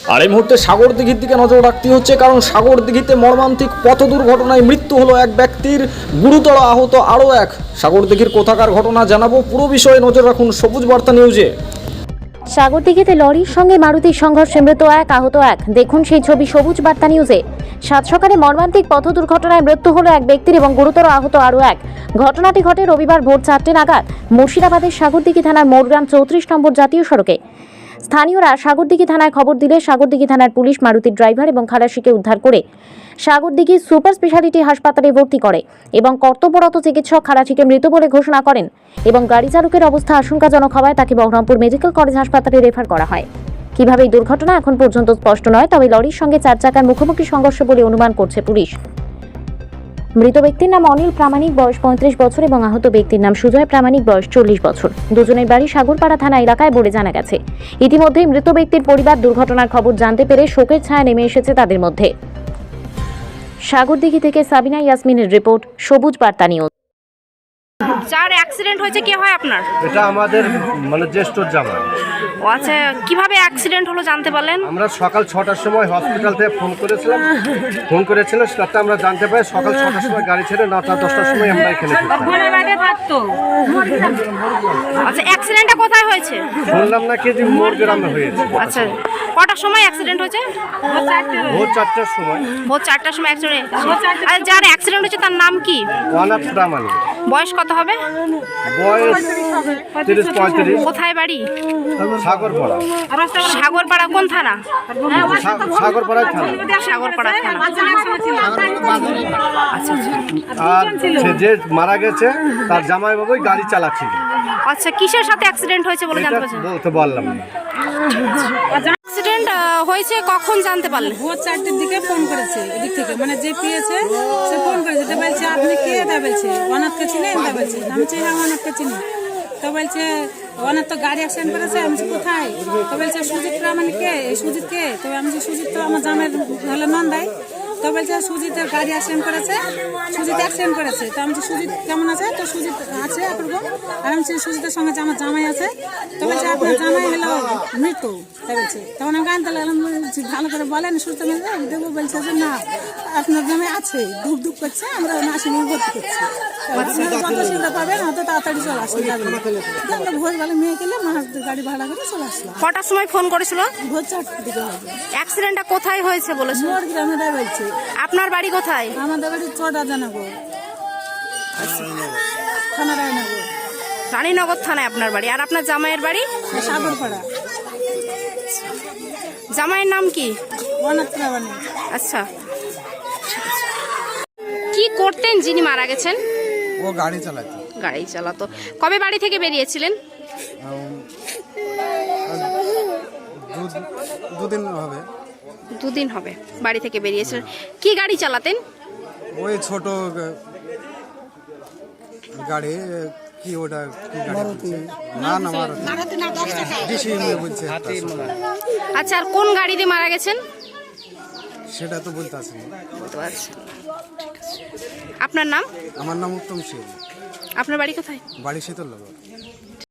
আর এই মুহূর্তে সাগরদিঘির দিকে নজর রাখতে হচ্ছে, কারণ সাগরদিঘিতে মর্মান্তিক পথ দুর্ঘটনায় মৃত্যু হলো এক ব্যক্তির, গুরুতর আহত আরও এক। সাগরদিঘির কোথাকার ঘটনা জানাবো, পুরো বিষয়ে নজর রাখুন সবুজ বার্তা নিউজে। সাগরদিঘিতে লরির সঙ্গে মারুতির সংঘর্ষে মৃত এক, আহত এক। দেখুন সেই ছবি সবুজ বার্তা নিউজে। সাত সকালে মর্মান্তিক পথ দুর্ঘটনায় মৃত্যু হলো এক ব্যক্তির এবং গুরুতর আহত আরও এক। ঘটনাটি ঘটে রবিবার ভোর 4টে নাগাদ মুর্শিদাবাদের সাগরদিঘি থানার মোড়গ্রাম 34 নম্বর জাতীয় সড়কে। স্থানীয়রা সাগরদিঘি থানায় খবর দিলে সাগরদিঘি থানার পুলিশ মারুতির ড্রাইভার এবং খালাসিকে উদ্ধার করে সাগরদিঘি সুপার স্পেশালিটি হাসপাতালে ভর্তি করে এবং কর্তব্যরত চিকিৎসক খালাসিকে মৃত বলে ঘোষণা করেন এবং গাড়ি চালকের অবস্থা আশঙ্কাজনক হওয়ায় তাকে বহরমপুর মেডিকেল কলেজ হাসপাতালে রেফার করা হয়। কিভাবে এই দুর্ঘটনা এখন পর্যন্ত স্পষ্ট নয়, তবে লরির সঙ্গে 4 চাকার মুখোমুখি সংঘর্ষ বলে অনুমান করছে পুলিশ। মৃত ব্যক্তির নাম অনিল প্রামাণিক, বয়স 35 বছর এবং আহত ব্যক্তির নাম সুজয় প্রামাণিক, বয়স 40 বছর। দুজনের বাড়ি সাগরপাড়া থানা এলাকায় বলে জানা গেছে। ইতিমধ্যেই মৃত ব্যক্তির পরিবার দুর্ঘটনার খবর জানতে পেরে শোকের ছায়া নেমে এসেছে তাদের মধ্যে। সাগরদিঘি থেকে সাবিনা ইয়াসমিনের রিপোর্ট, সবুজ বার্তা নিউজ। যার অ্যাক্সিডেন্ট হয়েছে কে হয় আপনার? এটা আমাদের মানে জ্যেষ্ঠর জামাই। ও আচ্ছা, কিভাবে অ্যাক্সিডেন্ট হলো জানতে পারলেন? আমরা সকাল 6টার সময় হসপিটাল থেকে ফোন করেছিলাম, সেটা আমরা জানতে পারি সকাল 6টার সময় গাড়ি ছেড়ে 9টা 10টার সময় আমরা এখানে আচ্ছা, অ্যাক্সিডেন্টটা কোথায় হয়েছে? শুনলাম নাকি যে মোড় গ্রামে হয়েছে। আচ্ছা, কটার সময় অ্যাক্সিডেন্ট হয়েছে? ভোর 4টার সময়। ভোর 4টার সময় অ্যাক্সিডেন্ট। আর যার অ্যাক্সিডেন্ট হয়েছে তার নাম কি? অনাথ প্রামাণিক। বয়স কত হবে? বয়স 30-35। কোথায় বাড়ি? সাগরপাড়া। সাগরপাড়া কোন থানা? সাগরপাড়া থানা। সাগরপাড়া থানা। আচ্ছা, আর সে যে মারা গেছে তার জামাই বাবুই গাড়ি চালাচ্ছিল। আচ্ছা, কিসের সাথে অ্যাক্সিডেন্ট হয়েছে বলে জানতে পারছেন? বলতে পারলাম না। অ্যাক্সিডেন্ট হয়েছে কখন জানতে পারলেন? ভোর 4টের দিকে ফোন করেছে এদিক থেকে, মানে যে পেয়েছে সে ফোন করেছে। তো বলছে আপনি কে? তা বলছে অনাথকে চিনেন? তা বলছে আমি চিনি, অনাথকে চিনি। তো বলছে অনাথ তো গাড়ি অ্যাক্সিডেন্ট করেছে। আমি কোথায়? তো বলছে সুজিত প্রামাণিক কে? এই সুজিত কে? তো আমি সুজিত তো আমার জামের হলো নন্দাই। তো বলছে সুজিতের গাড়ি অ্যাক্সিডেন্ট করেছে, সুজিত অ্যাক্সিডেন্ট করেছে। তো আমি সুজিত কেমন আছে? তো সুজিত আছে একরকম। আর আমি সুজিতের সঙ্গে যে আমার জামাই আছে। তো বলছে আপনার জামাই হলো মৃত্যু। তাই বলছে। তখন আমি গান তালাম, ভালো করে বলেন সুস্থ দেবো। বলছে যে না, আপনার জামাই আছে, ধূপ ধূপ করছে, আমরা নার্সিং ভর্তি করছি। যত সুবিধা পাবেন অত তাড়াতাড়ি চলে আসতে যাবে। আমরা ভোরবেলা মেয়ে গেলে গাড়ি ভাড়া করে চলে আসলাম। কটার সময় ফোন করেছিল? ভোর 4টার দিকে হবে। অ্যাক্সিডেন্টটা কোথায় হয়েছে বলেছে? মোড় গ্রামে তাই বলছে। আপনার বাড়ি কোথায়? আমাদের বাড়ি চোটা জানাগো, থানা রায়নগর। রানীনগর থানায় আপনার বাড়ি। আর আপনার জামাইয়ের বাড়ি? সাগরপাড়া। জামাইয়ের নাম কি? অনাথ প্রামাণিক। আচ্ছা, কি করতেন যিনি মারা গেছেন? ও গাড়ি চালাতো। গাড়ি চালাতো। কবে বাড়ি থেকে বেরিয়েছিলেন? দুদিন হবে। দুদিন হবে বাড়ি থেকে বেরিয়েছিলেন। কি গাড়ি চালাতেন? ওই ছোট গাড়ি, কি ওটা কি গাড়ি? না না, বলছে। আচ্ছা, আর কোন গাড়ি দিয়ে মারা গেছেন সেটা তো বলতে আসেনি। বলতে পারছেন? আপনার নাম? আমার নাম উত্তম সিং। আপনার বাড়ি কোথায়? বাড়ি শীতলনগর।